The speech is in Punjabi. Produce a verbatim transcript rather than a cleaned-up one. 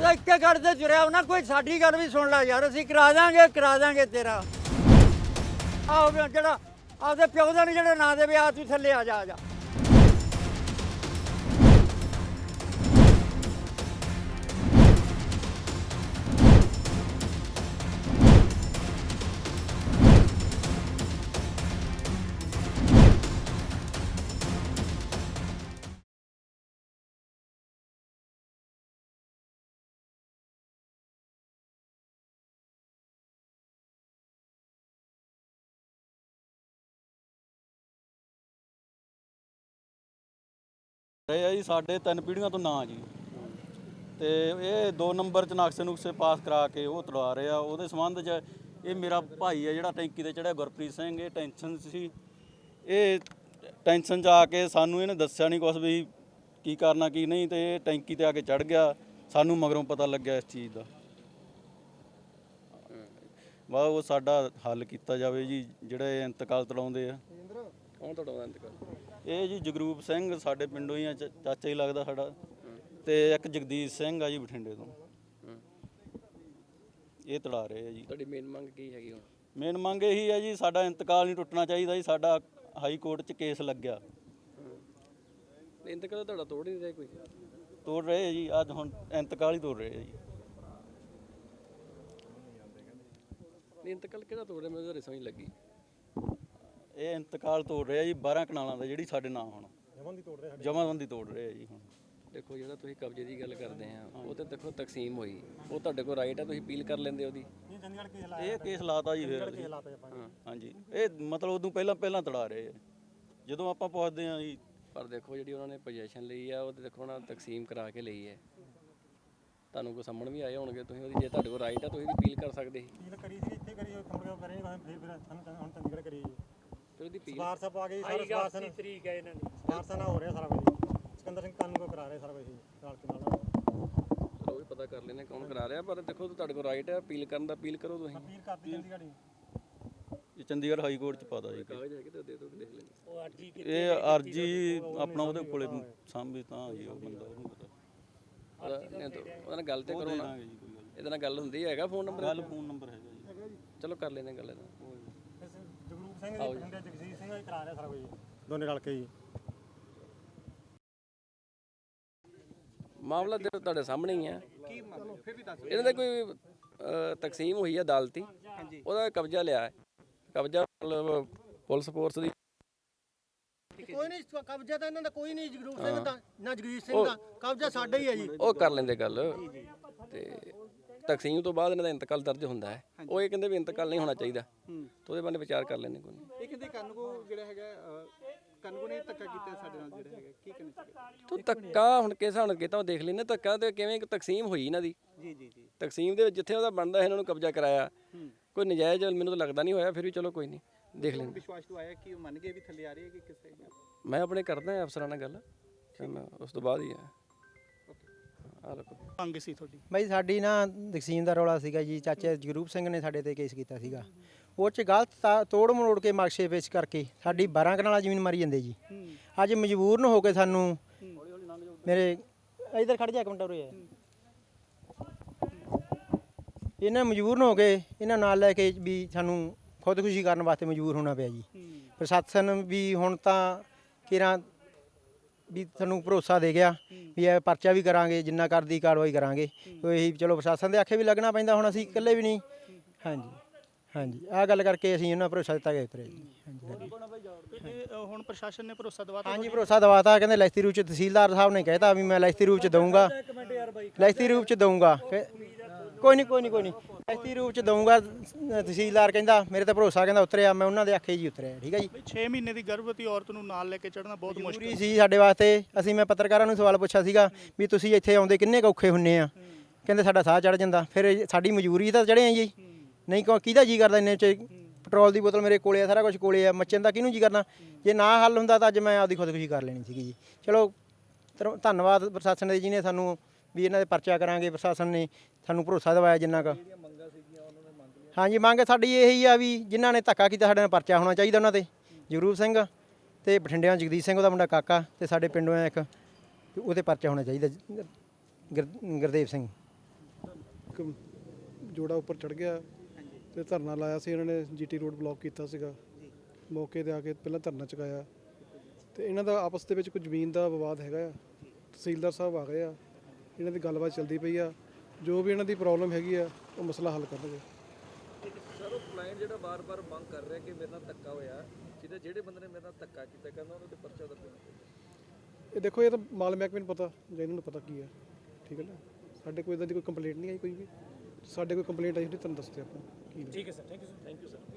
ਉਹਦਾ ਇੱਕੇ ਗੱਲ ਤੇ ਜੁੜਿਆ ਉਹਨਾਂ ਕੋਈ ਸਾਡੀ ਗੱਲ ਵੀ ਸੁਣ ਲੈ ਯਾਰ ਅਸੀਂ ਕਰਾ ਦਾਂਗੇ ਕਰਾ ਦਾਂਗੇ ਤੇਰਾ ਆਹ ਜਿਹੜਾ ਆਪਦੇ ਪਿਓ ਦਾ ਨਹੀਂ ਜਿਹੜੇ ਨਾਂ ਦੇਵੇ ਆ ਤੂੰ ਥੱਲੇ ਆ ਜਾ ਆ ਜਾ ਇਹ ਆ ਜੀ ਸਾਡੇ ਤਿੰਨ ਪੀੜ੍ਹੀਆਂ ਤੋਂ ਨਾਂ ਜੀ ਤੇ ਇਹ ਦੋ ਨੰਬਰ 'ਚ ਨਕਸ਼ੇ ਨੁਕਸੇ ਪਾਸ ਕਰਾ ਕੇ ਉਹ ਤੜਵਾ ਰਹੇ ਆ। ਉਹਦੇ ਸੰਬੰਧ 'ਚ ਇਹ ਮੇਰਾ ਭਾਈ ਹੈ ਜਿਹੜਾ ਟੈਂਕੀ ਤੇ ਚੜਿਆ ਗੁਰਪ੍ਰੀਤ ਸਿੰਘ, ਇਹ ਟੈਨਸ਼ਨ ਸੀ, ਇਹ ਟੈਨਸ਼ਨ 'ਚ ਆ ਕੇ ਸਾਨੂੰ ਇਹਨੇ ਦੱਸਿਆ ਨਹੀਂ ਕੁਛ ਵੀ ਕੀ ਕਰਨਾ ਕੀ ਨਹੀਂ, ਤੇ ਇਹ ਟੈਂਕੀ ਤੇ ਆ ਕੇ ਚੜ ਗਿਆ। ਸਾਨੂੰ ਮਗਰੋਂ ਪਤਾ ਲੱਗਿਆ ਇਸ ਚੀਜ਼ ਦਾ। ਵਾਹ ਉਹ ਸਾਡਾ ਹੱਲ ਕੀਤਾ ਜਾਵੇ ਜੀ। ਜਿਹੜੇ ਇੰਤਕਾਲ ਤੜਾਉਂਦੇ ਆ, ਕੌਣ ਤੜਾਉਂਦਾ ਇੰਤਕਾਲ? ਇਹ ਜੀ ਜਗਰੂਪ ਸਿੰਘ ਸਾਡੇ ਪਿੰਡੋਂ ਹੀ ਆ, ਚਾਚਾ ਹੀ ਲੱਗਦਾ ਸਾਡਾ, ਤੇ ਇੱਕ ਜਗਦੀਸ਼ ਸਿੰਘ ਆ ਜੀ ਬਠਿੰਡੇ ਤੋਂ। ਇਹ ਤੜਾ ਰਹੇ ਆ ਜੀ। ਤੁਹਾਡੀ ਮੇਨ ਮੰਗ ਕੀ ਹੈਗੀ ਹੁਣ? ਮੇਨ ਮੰਗ ਇਹੀ ਹੈ ਜੀ ਸਾਡਾ ਇੰਤਕਾਲ ਨਹੀਂ ਟੁੱਟਣਾ ਚਾਹੀਦਾ ਜੀ। ਸਾਡਾ ਹਾਈ ਕੋਰਟ 'ਚ ਕੇਸ ਲੱਗਿਆ। ਇੰਤਕਾਲ ਤੁਹਾਡਾ ਤੋੜ ਨਹੀਂ ਰਿਹਾ ਕੋਈ? ਤੋੜ ਰਹੇ ਆ ਜੀ, ਅੱਜ ਹੁਣ ਇੰਤਕਾਲ ਹੀ ਤੋੜ ਰਹੇ ਆ ਜੀ। ਇੰਤਕਾਲ ਕਿਹੜਾ ਤੋੜ ਰਿਹਾ ਮੈਨੂੰ ਤਾਂ ਸਮਝ ਲੱਗੀ। ਇਹ ਇੰਤਕਾਲ ਤੋੜ ਰਿਹਾ ਜੀ ਬਾਰਾਂ ਕਨਾਲਾਂ ਦਾ, ਜਿਹੜੀ ਸਾਡੇ ਨਾਂ ਹੁਣ ਜਮਾਬੰਦੀ ਤੋੜ ਰਿਹਾ ਜੀ। ਹੁਣ ਦੇਖੋ ਜਿਹੜਾ ਤੁਸੀਂ ਕਬਜ਼ੇ ਦੀ ਗੱਲ ਕਰਦੇ ਆ ਉਹ ਤੇ ਦੇਖੋ ਤਕਸੀਮ ਹੋਈ, ਉਹ ਤੁਹਾਡੇ ਕੋਲ ਰਾਈਟ ਆ, ਤੁਸੀਂ ਅਪੀਲ ਕਰ ਲੈਂਦੇ ਉਹਦੀ। ਇਹ ਕੇਸ ਲਾਤਾ ਜੀ ਫਿਰ। ਹਾਂਜੀ ਇਹ ਮਤਲਬ ਉਦੋਂ ਪਹਿਲਾਂ ਪਹਿਲਾਂ ਤੜਾ ਰਹੇ ਆ ਜਦੋਂ ਆਪਾਂ ਪੁੱਛਦੇ ਆ ਜੀ। ਪਰ ਦੇਖੋ ਜਿਹੜੀ ਉਹਨਾਂ ਨੇ ਪੋਜੀਸ਼ਨ ਲਈ ਆ ਉਹ ਤੇ ਦੇਖੋ ਉਹਨਾਂ ਤਕਸੀਮ ਕਰਾ ਕੇ ਲਈ ਹੈ। ਤੁਹਾਨੂੰ ਕੋਈ ਸਾਹਮਣ ਵੀ ਆਏ ਹੋਣਗੇ, ਤੁਸੀਂ ਉਹਦੀ ਜੇ ਤੁਹਾਡੇ ਕੋਲ ਰਾਈਟ ਆ ਤੁਸੀਂ ਵੀ ਅਪੀਲ ਕਰ ਸਕਦੇ ਸੀ। ਅਪੀਲ ਕਰੀ ਸੀ ਇੱਥੇ ਕਰੀ ਕੰਪਨੀ ਕਰੇ ਫਿਰ ਫਿਰ ਹੁਣ ਚੰਡੀਗੜ੍ਹ ਕਰੀ ਜੀ। ਫਿਰ ਉਹਦੀ ਅਪੀਲ ਸਪਾਰ ਸਾਹਿਬ ਆ ਗਈ ਸਾਰਾ ਸਪਾਰ ਦੀ ਤਰੀਕ ਹੈ ਇਹਨਾਂ ਦੀ ਸਪਾਰ ਸਾਹਿਬ ਨਾਲ ਹੋ ਰਿਹਾ ਸਾਰਾ ਕੁਝ। ਸਿਕੰਦਰ ਸਿੰਘ ਕਾਨੂੰ ਕੋ ਕਰਾ ਰਿਹਾ ਸਾਰਾ ਕੁਝ ਨਾਲ ਕੇ ਨਾਲ। ਚਲੋ ਵੀ ਪਤਾ ਕਰ ਲੈਣੇ ਕੌਣ ਕਰਾ ਰਿਹਾ, ਪਰ ਦੇਖੋ ਤੁਹਾਡੇ ਕੋਲ ਰਾਈਟ ਹੈ ਅਪੀਲ ਕਰਨ ਦਾ। ਅਪੀਲ ਕਰੋ ਤੁਸੀਂ। ਅਪੀਲ ਕਰਤੀ ਚੰਡੀਗੜ੍ਹ ਹੀ। ਇਹ ਚੰਡੀਗੜ੍ਹ ਹਾਈ ਕੋਰਟ 'ਚ ਪਾਦਾ ਜੀ। ਕਾਗਜ਼ ਹੈਗੇ ਤਾਂ ਦੇ ਦਿਓ, ਦੇਖ ਲੈਂਦੇ। ਉਹ ਅਰਜੀ ਇਹ ਅਰਜੀ ਆਪਣਾ ਉਹਦੇ ਕੋਲੇ ਸਾਂਭੀ ਤਾਂ ਜੀ ਉਹ ਬੰਦਾ ਉਹਨੂੰ ਪਤਾ। ਉਹਦੇ ਨਾਲ ਗੱਲ ਤੇ ਕਰੋ ਨਾ, ਇਹਦੇ ਨਾਲ ਗੱਲ ਹੁੰਦੀ ਹੈਗਾ। ਫੋਨ ਨੰਬਰ ਗੱਲ ਫੋਨ ਨੰਬਰ ਹੈਗਾ ਜੀ। ਚਲੋ ਕਰ ਲੈਂਦੇ ਗੱਲ ਇਹਦਾ। ਜਗਰੂਪ ਸਿੰਘ ਜੀ ਪਿੰਡ ਜਗਸੀਰ ਸਿੰਘ ਜੀ ਕਰਾ ਰਿਹਾ ਸਾਰਾ ਕੁਝ ਦੋਨੇ ਰਲ ਕੇ ਜੀ। ਮਾਮਲਾ ਤੇ ਤੁਹਾਡੇ ਸਾਹਮਣੇ ਹੀ ਆ। ਇਹਨਾਂ ਦਾ ਕੋਈ ਤਕਸੀਮ ਹੋਈ ਹੈ ਅਦਾਲਤੀ, ਉਹਦਾ ਕਬਜ਼ਾ ਲਿਆ ਹੈ। ਕਬਜ਼ਾ ਪੁਲਿਸ ਫੋਰਸ ਦੀ ਕੋਈ ਨਹੀਂ ਕਬਜ਼ਾ ਤਾਂ ਇਹਨਾਂ ਦਾ ਕੋਈ ਨਹੀਂ। ਜਗਰੂਪ ਸਿੰਘ ਦਾ ਨਾ ਜਗਦੀਸ਼ ਸਿੰਘ ਦਾ ਕਬਜ਼ਾ ਸਾਡਾ ਹੀ ਹੈ ਜੀ। ਉਹ ਕਰ ਲੈਂਦੇ ਗੱਲ। ਤੇ ਤਕਸੀਮ ਤੋਂ ਬਾਅਦ ਇਹਨਾਂ ਦਾ ਇੰਤਕਾਲ ਦਰਜ ਹੁੰਦਾ ਹੈ। ਉਹ ਇਹ ਕਹਿੰਦੇ ਵੀ ਇੰਤਕਾਲ ਨਹੀਂ ਹੋਣਾ ਚਾਹੀਦਾ, ਤੇ ਉਹਦੇ ਬਾਰੇ ਵਿਚਾਰ ਕਰ ਲੈਂਦੇ। ਕੋਈ ਇਹ ਕਹਿੰਦੇ ਕਾਨੂੰਗੋ ਜਿਹੜਾ ਹੈਗਾ ਕਾਨੂੰਗੋ ਨੇ ਧੱਕਾ ਕੀਤਾ ਸਾਡੇ ਨਾਲ ਜਿਹੜਾ ਹੈਗਾ, ਕੀ ਕਹਿਣਾ ਚਾਹੀਦਾ? ਤੂੰ ਧੱਕਾ ਹੁਣ ਕਿਸ ਹਿਸਾਬ ਨਾਲ ਕੀਤਾ ਉਹ ਦੇਖ ਲੈਂਦੇ। ਧੱਕਾ ਤੇ ਕਿਵੇਂ ਤਕਸੀਮ ਹੋਈ ਇਹਨਾਂ ਦੀ। ਜੀ ਜੀ ਜੀ। ਤਕਸੀਮ ਦੇ ਵਿੱਚ ਜਿੱਥੇ ਉਹਦਾ ਬਣਦਾ ਇਹਨਾਂ ਨੂੰ ਕਬਜ਼ਾ ਕਰਾਇਆ, ਕੋਈ ਨਜਾਇਜ਼ ਮੈਨੂੰ ਤਾਂ ਲੱਗਦਾ ਨਹੀਂ ਹੋਇਆ। ਫਿਰ ਵੀ ਚਲੋ ਕੋਈ ਨਹੀਂ ਦੇਖ ਲੈਂਦੇ। ਵਿਸ਼ਵਾਸ ਤੋਂ ਆਇਆ ਕਿ ਉਹ ਮੰਨ ਗਏ ਵੀ ਥੱਲੇ ਆ ਰਹੀ ਹੈ ਕਿ ਕਿਸੇ? ਮੈਂ ਆਪਣੇ ਕਰਦਾ ਅਫਸਰਾਂ ਨਾਲ ਗੱਲ, ਫਿਰ ਮੈਂ ਉਸ ਤੋਂ ਬਾਅਦ ਹੀ ਆ ਆ ਲੋ ਮੰਗ ਸੀ ਤੁਹਾਡੀ ਬਾਈ ਸਾਡੀ ਨਾ ਤਕਸੀਮ ਦਾ ਰੌਲਾ ਸੀਗਾ ਜੀ। ਚਾਚੇ ਜਗਰੂਪ ਸਿੰਘ ਨੇ ਸਾਡੇ ਤੇ ਕੇਸ ਕੀਤਾ ਸੀਗਾ। ਉਹ 'ਚ ਗਲਤ ਤੋੜ ਮਰੋੜ ਕੇ ਨਕਸ਼ੇ ਪੇਸ਼ ਕਰਕੇ ਸਾਡੀ ਬਾਰਾਂ ਕਨਾਲਾਂ ਜ਼ਮੀਨ ਮਾਰੀ ਜਾਂਦੇ ਜੀ। ਅੱਜ ਮਜਬੂਰਨ ਹੋ ਕੇ ਸਾਨੂੰ ਮੇਰੇ ਇਧਰ ਖੜ ਜਾ ਇੱਕ ਮਿੰਟ ਉਰੇ ਆ। ਇਹਨਾਂ ਮਜਬੂਰਨ ਹੋ ਕੇ ਇਹਨਾਂ ਨਾਲ ਲੈ ਕੇ ਵੀ ਸਾਨੂੰ ਖੁਦਕੁਸ਼ੀ ਕਰਨ ਵਾਸਤੇ ਮਜਬੂਰ ਹੋਣਾ ਪਿਆ ਜੀ। ਪ੍ਰਸ਼ਾਸਨ ਵੀ ਹੁਣ ਤਾਂ ਕਿਰਾਂ ਵੀ ਤੁਹਾਨੂੰ ਭਰੋਸਾ ਦੇ ਗਿਆ ਵੀ ਇਹ ਪਰਚਾ ਵੀ ਕਰਾਂਗੇ, ਜਿੰਨਾ ਕਰਦੀ ਕਾਰਵਾਈ ਕਰਾਂਗੇ। ਇਹੀ ਚਲੋ ਪ੍ਰਸ਼ਾਸਨ ਦੇ ਆਖੇ ਵੀ ਲੱਗਣਾ ਪੈਂਦਾ, ਹੁਣ ਅਸੀਂ ਇਕੱਲੇ ਵੀ ਨਹੀਂ। ਹਾਂਜੀ ਹਾਂਜੀ ਆਹ ਗੱਲ ਕਰਕੇ ਅਸੀਂ ਉਹਨਾਂ ਭਰੋਸਾ ਦਿੱਤਾ ਗਿਆ ਉਤਰੇ ਜੀ। ਹਾਂਜੀ ਹੁਣ ਪ੍ਰਸ਼ਾਸਨ ਨੇ ਭਰੋਸਾ ਦਵਾਤਾ? ਹਾਂਜੀ ਭਰੋਸਾ ਦਵਾਤਾ। ਕਹਿੰਦੇ ਲਿਖਤੀ ਰੂਪ 'ਚ ਤਹਿਸੀਲਦਾਰ ਸਾਹਿਬ ਨੇ ਕਹਿਤਾ ਵੀ ਮੈਂ ਲਿਖਤੀ ਰੂਪ 'ਚ ਦਊਂਗਾ, ਲਿਖਤੀ ਰੂਪ 'ਚ ਦਊਂਗਾ। ਕੋਈ ਨਹੀਂ ਕੋਈ ਨਹੀਂ ਕੋਈ ਨਹੀਂ ਲਿਖਤੀ ਰੂਪ 'ਚ ਦਊਂਗਾ। ਤਹਿਸੀਲਦਾਰ ਕਹਿੰਦਾ ਮੇਰੇ ਤੇ ਭਰੋਸਾ ਕਹਿੰਦਾ ਉਤਰਿਆ, ਮੈਂ ਉਹਨਾਂ ਦੇ ਆਖੇ ਜੀ ਉਤਰਿਆ। ਠੀਕ ਹੈ ਜੀ। ਛੇ ਮਹੀਨੇ ਦੀ ਗਰਭਵਤੀ ਔਰਤ ਨੂੰ ਨਾਲ ਲੈ ਕੇ ਚੜ੍ਹਨਾ ਬਹੁਤ ਮੁਸ਼ਕਿਲ ਸੀ ਸਾਡੇ ਵਾਸਤੇ। ਅਸੀਂ ਮੈਂ ਪੱਤਰਕਾਰਾਂ ਨੂੰ ਸਵਾਲ ਪੁੱਛਿਆ ਸੀਗਾ ਵੀ ਤੁਸੀਂ ਇੱਥੇ ਆਉਂਦੇ ਕਿੰਨੇ ਕੁ ਔਖੇ ਹੁੰਨੇ ਆ। ਕਹਿੰਦੇ ਸਾਡਾ ਸਾਹ ਚੜ੍ਹ ਜਾਂਦਾ। ਫਿਰ ਸਾਡੀ ਮਜਬੂਰੀ ਤਾਂ ਚੜ੍ਹੇ ਆ ਜੀ। ਨਹੀਂ ਕਿਹਦਾ ਜੀ ਕਰਦਾ ਇੰਨੇ 'ਚ ਪੈਟਰੋਲ ਦੀ ਬੋਤਲ ਮੇਰੇ ਕੋਲੇ ਆ, ਸਾਰਾ ਕੁਝ ਕੋਲੇ ਆ, ਮੱਚਣ ਦਾ ਕਿਹਨੂੰ ਜੀ ਕਰਨਾ। ਜੇ ਨਾ ਹੱਲ ਹੁੰਦਾ ਤਾਂ ਅੱਜ ਮੈਂ ਆਪਦੀ ਖੁਦਕੁਸ਼ੀ ਕਰ ਲੈਣੀ ਸੀਗੀ ਜੀ। ਚਲੋ ਧੰਨਵਾਦ ਪ੍ਰਸ਼ਾਸਨ ਦੇ ਜਿਹਨੇ ਸਾਨੂੰ ਵੀ ਇਹਨਾਂ ਦੇ ਪਰਚਾ ਕਰਾਂਗੇ। ਪ੍ਰਸ਼ਾਸਨ ਨੇ ਸਾਨੂੰ ਭਰੋਸਾ ਦਿਵਾਇਆ ਜਿੰਨਾ ਕੁ। ਹਾਂਜੀ ਮੰਗ ਸਾਡੀ ਇਹੀ ਆ ਵੀ ਜਿਨ੍ਹਾਂ ਨੇ ਧੱਕਾ ਕੀਤਾ ਸਾਡੇ ਨਾਲ ਪਰਚਾ ਹੋਣਾ ਚਾਹੀਦਾ ਉਹਨਾਂ 'ਤੇ। ਜਗਰੂਪ ਸਿੰਘ ਤੇ ਬਠਿੰਡਿਆਂ ਜਗਦੀਸ਼ ਸਿੰਘ ਉਹਦਾ ਮੁੰਡਾ ਕਾਕਾ, ਤੇ ਸਾਡੇ ਪਿੰਡੋਂ ਇੱਕ ਉਹਦੇ ਪਰਚਾ ਹੋਣਾ ਚਾਹੀਦਾ ਗੁਰਦੇਵ ਸਿੰਘ। ਇੱਕ ਜੋੜਾ ਉੱਪਰ ਚੜ ਗਿਆ ਤੇ ਧਰਨਾ ਲਾਇਆ ਸੀ ਇਹਨਾਂ ਨੇ, ਜੀਟੀ ਰੋਡ ਬਲੌਕ ਕੀਤਾ ਸੀਗਾ। ਮੌਕੇ ਤੇ ਆ ਕੇ ਪਹਿਲਾਂ ਧਰਨਾ ਚੁਕਾਇਆ ਤੇ ਇਹਨਾਂ ਦਾ ਆਪਸ ਦੇ ਵਿੱਚ ਕੋਈ ਜ਼ਮੀਨ ਦਾ ਵਿਵਾਦ ਹੈਗਾ ਆ। ਤਹਿਸੀਲਦਾਰ ਸਾਹਿਬ ਆ ਗਏ ਆ, ਇਹਨਾਂ ਦੀ ਗੱਲਬਾਤ ਚੱਲਦੀ ਪਈ ਆ। ਜੋ ਵੀ ਇਹਨਾਂ ਦੀ ਪ੍ਰੋਬਲਮ ਹੈਗੀ ਆ ਉਹ ਮਸਲਾ ਹੱਲ ਕਰਨਗੇ। ਸਰ ਉਹ ਕਲਾਇੰਟ ਜਿਹੜਾ ਬਾਰ-ਬਾਰ ਮੰਗ ਕਰ ਰਿਹਾ ਕਿ ਮੇਰੇ ਨਾਲ ਧੱਕਾ ਹੋਇਆ, ਜਿਹਦੇ ਜਿਹੜੇ ਬੰਦੇ ਨੇ ਮੇਰੇ ਨਾਲ ਧੱਕਾ ਕੀਤਾ ਕਹਿੰਦਾ ਉਹਨਾਂ ਤੇ ਪਰਚਾ ਦਰਜ ਹੋਣਾ ਚਾਹੀਦਾ। ਇਹ ਦੇਖੋ, ਇਹ ਤਾਂ ਮਾਲ ਮਹਿਕਮੇ ਨੂੰ ਪਤਾ ਜਾਂ ਇਹਨਾਂ ਨੂੰ ਪਤਾ ਕੀ ਹੈ, ਠੀਕ ਹੈ ਨਾ। ਸਾਡੇ ਕੋਈ ਇਦਾਂ ਦੀ ਕੋਈ ਕੰਪਲੇਂਟ ਨਹੀਂ ਆਈ ਕੋਈ ਵੀ। ਸਾਡੇ ਕੋਈ ਕੰਪਲੇਂਟ ਆਈ ਹੋਈ ਤੁਹਾਨੂੰ ਦੱਸਦੇ ਆਪਾਂ ਕੀ। ਠੀਕ ਹੈ sir, thank you sir, thank you sir.